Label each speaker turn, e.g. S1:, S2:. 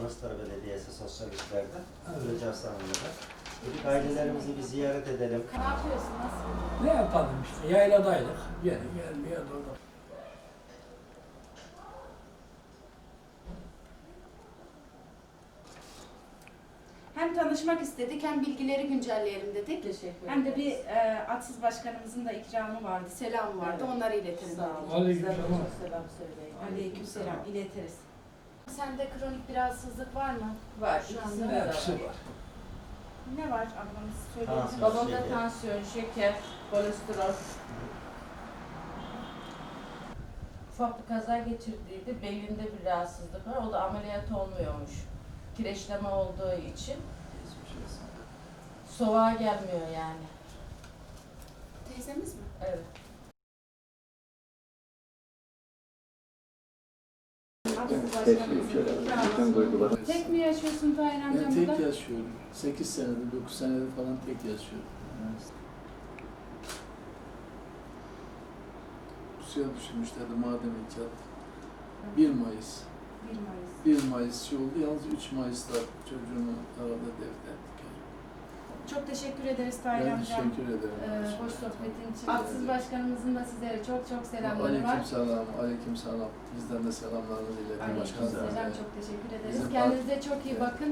S1: Manastır Belediyesi Sosyal İşler'den. Gülcan Hanım'la. Dedik ailelerimizi bir ziyaret edelim.
S2: Ne yapıyorsun? Nasıl?
S3: Ne yapalım işte, yayladaydık. Gene gelmeye durduk.
S2: Hem tanışmak istedik hem bilgileri güncelleyelim dedik.
S4: Teşekkür
S2: Hem de
S4: ederiz.
S2: bir Atsız Başkanımızın da ikramı vardı, selamı vardı.
S4: Evet.
S2: Onları iletelim.
S4: Sağ olun.
S3: Aleyküm
S4: Sizden de
S3: selam.
S4: çok selam söyleyin.
S2: Aleykümselam, iletiriz. Sende kronik bir rahatsızlık var mı?
S4: Var.
S2: Şu
S4: ikisinde
S2: anda
S4: de
S3: Hepsi
S4: var.
S3: var.
S2: Ne var ablamız söyleyebilir
S1: Tansiyon.
S2: misin?
S4: Babamda
S1: Şeker.
S4: tansiyon, şeker, kolesterol. Ufak bir kaza geçirdiydi. Belinde bir rahatsızlık var. O da ameliyat olmuyormuş. Kireçleme olduğu için. Soğuğa gelmiyor yani.
S2: Teyzemiz mi?
S4: Evet.
S2: Atsız Başkanımızın ikramı. Tek mi yaşıyorsun Tahir
S5: Ben
S2: amcam
S5: tek
S2: burada?
S5: yaşıyorum. 8 senedir, 9 senedir falan tek yaşıyorum. Suya düşürmüşlerdi maden icat. 1 Mayıs.
S2: 1 Mayıs.
S5: 1 Mayıs şey oldu. Yalnız 3 Mayıs'ta çocuğumu arada devrettik.
S2: Çok teşekkür ederiz Tahir
S5: Ben
S2: amcam.
S5: teşekkür ederim.
S2: Hoş sohbetin için. Atsız Başkanımızın da sizlere çok selamları var.
S5: Aleyküm selam, aleyküm selam. Bizden de selamlarınızı iletin başkanım.
S2: Aleykümselam, çok teşekkür ederiz.
S5: Bizim
S2: Kendinize çok iyi bakın.